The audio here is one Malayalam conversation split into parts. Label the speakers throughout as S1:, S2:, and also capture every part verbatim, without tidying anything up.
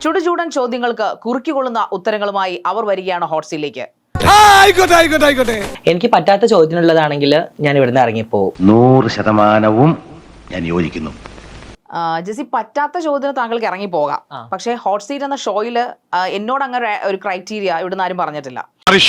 S1: ചുടുചൂടൻ ചോദ്യങ്ങൾക്ക് കുറുക്കിക്കൊള്ളുന്ന ഉത്തരങ്ങളുമായി അവർ വരികയാണ് ഹോട്ട് സീറ്റിലേക്ക്.
S2: എനിക്ക് പറ്റാത്ത ചോദ്യത്തിനുള്ളതാണെങ്കിൽ ഞാൻ ഇവിടുന്ന് ഇറങ്ങിപ്പോവും.
S3: നൂറ് ശതമാനവും ഞാൻ യോജിക്കുന്നു.
S1: ജെസി, പറ്റാത്ത ചോദ്യത്തിന് താങ്കൾക്ക് ഇറങ്ങി പോകാം, പക്ഷേ ഹോട്ട് സീറ്റ് എന്ന ഷോയില് എന്നോട് അങ്ങനെ ഒരു ക്രൈറ്റീരിയ ഇവിടുന്ന് ആരും പറഞ്ഞിട്ടില്ല.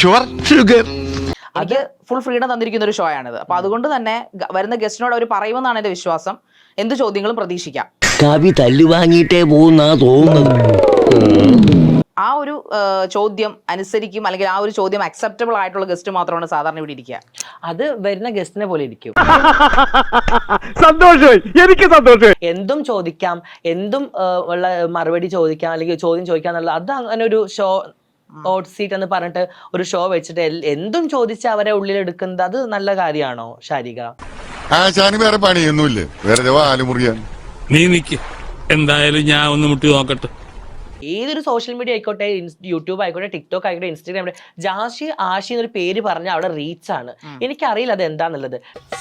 S1: അത് ഫുൾ ഫ്രീഡം തന്നിരിക്കുന്ന ഒരു ഷോ ആണിത്. അപ്പൊ അതുകൊണ്ട് തന്നെ വരുന്ന ഗസ്റ്റിനോട് അവർ പറയുമെന്നാണ് എന്റെ വിശ്വാസം. എന്ത് ചോദ്യങ്ങളും പ്രതീക്ഷിക്കാം.
S4: കവി തല്ലുവാങ്ങിയിട്ടേ പോകുന്നാ തോന്നുന്നത്.
S1: ആ ഒരു ചോദ്യം അനുസരിക്കും, അല്ലെങ്കിൽ ആ ഒരു ചോദ്യം അക്സെപ്റ്റബിൾ ആയിട്ടുള്ള ഗസ്റ്റ് മാത്രമാണ് സാധാരണ ഇവിടെ ഇരിക്കുക.
S2: അത് വരുന്ന ഗസ്റ്റിനെ പോലെ ഇരിക്കും.
S5: സന്തോഷമായി, എനിക്ക് സന്തോഷമായി.
S2: എന്തും ചോദിക്കാം, എന്തും ഉള്ള മറുപടി ചോദിക്കാം, അല്ലെങ്കിൽ ചോദ്യം ചോദിക്കാം എന്നുള്ള അത് അങ്ങനെ ഒരു ഷോ ഹോട്ട് സീറ്റ് എന്ന് പറഞ്ഞിട്ട് ഒരു ഷോ വെച്ചിട്ട് എന്തും ചോദിച്ച് അവരെ ഉള്ളിൽ എടുക്കുന്നത് അത് നല്ല കാര്യമാണോ ശാരിക?
S6: വേറെ പണിയൊന്നുമില്ലേ, വേറെ ആലുമുറിയാൻ.
S7: നീ നിക്ക്, എന്തായാലും ഞാൻ ഒന്ന് മുട്ടി നോക്കട്ടെ.
S2: ഏതൊരു സോഷ്യൽ മീഡിയ ആയിക്കോട്ടെ, യൂട്യൂബ് ആയിക്കോട്ടെ, ടിക്ടോക്ക് ആയിക്കോട്ടെ, ഇൻസ്റ്റാഗ്രാം ആയിക്കോട്ടെ, ജാഷി ആഷി എന്നൊരു പേര് പറഞ്ഞാൽ അവിടെ റീച്ച് ആണ്. എനിക്കറിയില്ല അത് എന്താന്നുള്ളത്.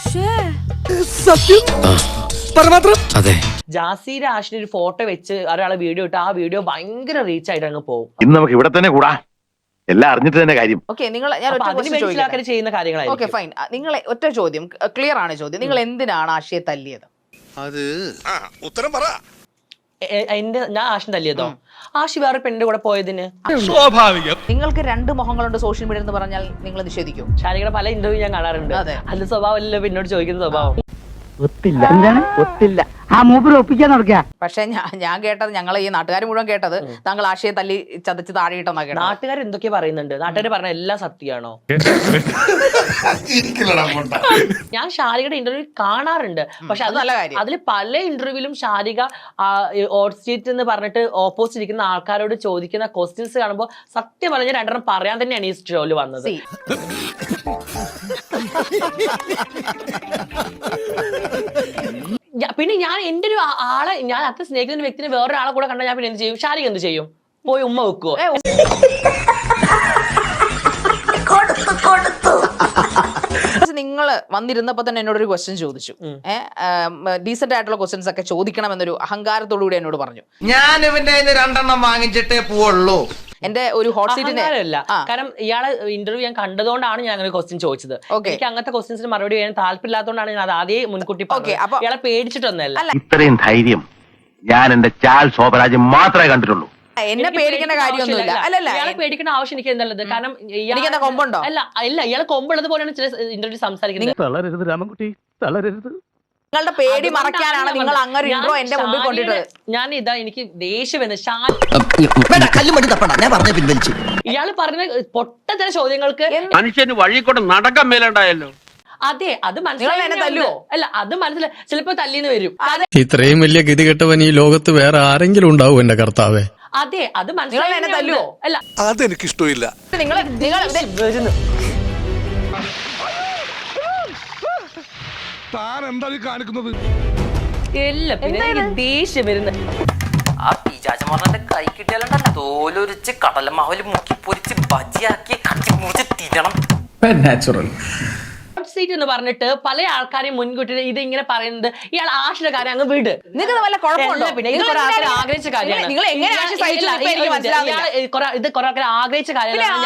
S2: ജാസിയുടെ ആഷിന്റെ ഒരു ഫോട്ടോ വെച്ച് ഒരാളെ വീഡിയോ ഇട്ട് ആ വീഡിയോ ഭയങ്കര റീച്ച് ആയിട്ട് അങ്ങ് പോകും.
S3: ഇന്ന് നമുക്ക് ഇവിടെ തന്നെ കൂടാ, എല്ലാം അറിഞ്ഞിട്ട് തന്നെ കാര്യം.
S1: ഓക്കെ, നിങ്ങൾ ഞാൻ
S2: ചെയ്യുന്ന കാര്യങ്ങളാണ്.
S1: ഓക്കെ ഫൈൻ, നിങ്ങളെ ഒറ്റ ചോദ്യം, ക്ലിയർ ആണ് ചോദ്യം. നിങ്ങൾ എന്തിനാണ് ആഷിയെ തല്ലിയത്?
S6: അത് ഉത്തരം പറ.
S2: എന്റെ ഞാൻ ആഷിന് തല്ലിയതോ? ആഷി വേറെ പെണ്ണിന്റെ കൂടെ പോയതിന്.
S7: സ്വാഭാവികം.
S1: നിങ്ങൾക്ക് രണ്ട് മുഖങ്ങളുണ്ട് സോഷ്യൽ മീഡിയ എന്ന് പറഞ്ഞാൽ നിങ്ങൾ നിഷേധിക്കും?
S2: ശാരികയുടെ പല ഇന്റർവ്യൂ ഞാൻ കാണാറുണ്ട്. അത് സ്വഭാവമല്ലോ എന്നോട് ചോദിക്കുന്ന സ്വഭാവം.
S5: ഒത്തില്ല, എന്താണ് ഒത്തില്ല? ആ മൂപ്പര് ഒപ്പിക്കാൻ നടക്കുക.
S1: പക്ഷെ ഞാൻ ഞാൻ കേട്ടത്, ഞങ്ങൾ ഈ നാട്ടുകാർ മുഴുവൻ കേട്ടത്, താങ്കൾ ആശയെ തല്ലി ചതച്ച് താഴെയിട്ടെന്നാ കേട്ടത്.
S2: നാട്ടുകാർ എന്തൊക്കെ പറയുന്നുണ്ട്? നാട്ടുകാർ പറഞ്ഞ എല്ലാം സത്യമാണോ? ഞാൻ ശാരികയുടെ ഇന്റർവ്യൂ കാണാറുണ്ട്, പക്ഷെ അത് നല്ല കാര്യം. അതിൽ പല ഇന്റർവ്യൂവിലും ശാരിക ഹോട്ട് സീറ്റ് എന്ന് പറഞ്ഞിട്ട് ഓപ്പോസിറ്റ് ഇരിക്കുന്ന ആൾക്കാരോട് ചോദിക്കുന്ന ക്വസ്റ്റ്യൻസ് കാണുമ്പോൾ സത്യം പറഞ്ഞ രണ്ടെണ്ണം പറയാൻ തന്നെയാണ് ഈ ഷോയിൽ വന്നത്. പിന്നെ ഞാൻ എന്റെ ഒരു ആളെ, ഞാൻ അത്ര സ്നേഹിക്കുന്ന വ്യക്തിനെ വേറൊരാളെ കൂടെ കണ്ടാൽ ഞാൻ പിന്നെ എന്ത് ചെയ്യും? ശാരിക എന്ത് ചെയ്യും? പോയി ഉമ്മ വെക്കുവോ?
S1: നിങ്ങൾ വന്നിരുന്നപ്പോ തന്നെ എന്നോട് ഒരു ക്വസ്റ്റ്യൻ ചോദിച്ചു. ഏഹ് ഡീസന്റ് ആയിട്ടുള്ള ക്വസ്റ്റ്യൻസ് ഒക്കെ ചോദിക്കണം എന്നൊരു അഹങ്കാരത്തോടു കൂടി എന്നോട് പറഞ്ഞു.
S8: ഞാൻ ഇവന്റെ രണ്ടെണ്ണം വാങ്ങിച്ചിട്ടേ പോവുള്ളൂ.
S1: എന്റെ ഒരു ഹോട്ട് സീറ്റിന്റെ
S2: അല്ല, കാരണം ഇയാളെ ഇന്റർവ്യൂ ഞാൻ കണ്ടതുകൊണ്ടാണ് ഞാൻ അങ്ങനെ ക്വസ്റ്റ്യൻ ചോദിച്ചത്. എനിക്ക് അങ്ങനത്തെ ക്വസ്റ്റ്യൻസിന് മറുപടി ചെയ്യാൻ താല്പര്യമില്ലാത്തതുകൊണ്ടാണ് ഞാൻ അത് ആദ്യം മുൻകൂട്ടി പറഞ്ഞത്. ഇയാളെ പേടിച്ചിട്ടൊന്നല്ല.
S3: ഇത്രയും ധൈര്യം ഞാൻ എന്റെ ചാൽ ശോഭരാജ് മാത്രമേ കണ്ടിട്ടുള്ളൂ.
S1: എന്നെ പേടിക്കേണ്ട കാര്യമൊന്നുമില്ല. അല്ലല്ല,
S2: ഇയാളെ പേടിക്കേണ്ട ആവശ്യം എനിക്ക് എന്നുള്ളത്. കാരണം
S1: ഇയാളെ കൊമ്പുണ്ടോ?
S2: അല്ല ഇല്ല, ഇയാളെ കൊമ്പുള്ളത് പോലെയാണ് ചില ഇന്റർവ്യൂ സംസാരിക്കുന്നത്.
S5: തളരരുത് രാമൻകുട്ടി, തളരരുത്.
S1: നിങ്ങളുടെ പേടി മറയ്ക്കാനാണ് നിങ്ങൾ അങ്ങനെ ഇൻട്രോ എന്റെ മുമ്പിൽ കൊണ്ടിട്ടത്.
S2: ഞാൻ ഇതാ എനിക്ക് ദേഷ്യം വന്ന്
S4: പിൻവലിച്ചു.
S2: ഇയാള് പറഞ്ഞ പൊട്ടത്തര ചോദ്യങ്ങൾക്ക്
S7: മനുഷ്യന് വഴി കൊണ്ട് നടക്കാൻ മേലുണ്ടായല്ലോ.
S2: അതെ, അത് മനസ്സിലായോ? അല്ല, അത് മനസ്സിലായി. ചിലപ്പോ തല്ലിന്ന് വരും.
S9: ഇത്രയും വലിയ ഗതികെട്ടവൻ ഈ ലോകത്ത് വേറെ ആരെങ്കിലും ഉണ്ടാവും എന്റെ കർത്താവേ?
S2: അതെ, അത് മനസ്സിലായോ? അല്ല,
S6: അതെനിക്ക് ഇഷ്ടമില്ല.
S1: നിങ്ങൾ
S6: താൻ എന്താ കാണിക്കുന്നത്?
S2: എല്ലാം പിന്നെ എനിക്ക് ദേഷ്യം വരുന്നത്.
S10: ആ പിശാചന്മാരുടെ കൈ കിട്ടിയാലുണ്ടല്ലോ തോലൊരിച്ച് കടലമാവിൽ മുക്കി പൊരിച്ച് ബജിയാക്കി കട്ടി മുറിച്ച് തിരണം.
S9: നാച്ചുറൽ
S2: സീറ്റ് എന്ന് പറഞ്ഞിട്ട് പല ആൾക്കാരെയും മുൻകൂട്ടി ഇത് ഇങ്ങനെ പറയുന്നത്. ഇയാൾ ആഷിന്റെ കാര്യം അങ്ങ് വിട്.
S1: നിങ്ങൾക്ക് വല്ല കുഴപ്പമുണ്ടോ?
S2: പിന്നെ ഇത് കുറെ ആൾക്കാർ ആഗ്രഹിച്ച കാര്യമാണ്.
S1: നിങ്ങൾ എങ്ങനെ ആശി സഹിച്ചു?
S2: ഇത് കുറെ ആൾക്കാർ ആഗ്രഹിച്ച കാര്യമാണ്.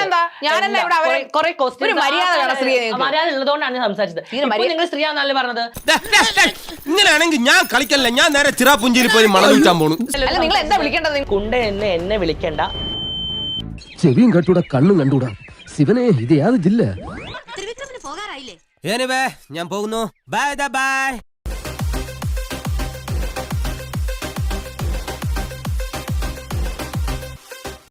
S2: മര്യാദ ഉള്ളതുകൊണ്ടാണ് ഞാൻ സംസാരിച്ചത്. നിങ്ങൾ സ്ത്രീയാണെന്നല്ലേ പറഞ്ഞത്?
S8: ഇങ്ങനെയാണെങ്കിൽ ഞാൻ കളിക്കല്ല, ഞാൻ നേരെ ചിറാപുഞ്ചിയിൽ പോയി മണം വിൽക്കാൻ പോണു.
S1: നിങ്ങൾ എന്താ വിളിക്കേണ്ടത്?
S2: കുണ്ട എന്നെ എന്നെ വിളിക്കണ്ട.
S4: ചെവിയും കണ്ടൂടാ, കണ്ണും കണ്ടൂടാ. ശിവനെ, ഇത് യാതൊരു ജില്ല.
S8: ഞാൻ പോകുന്നു. Bye by.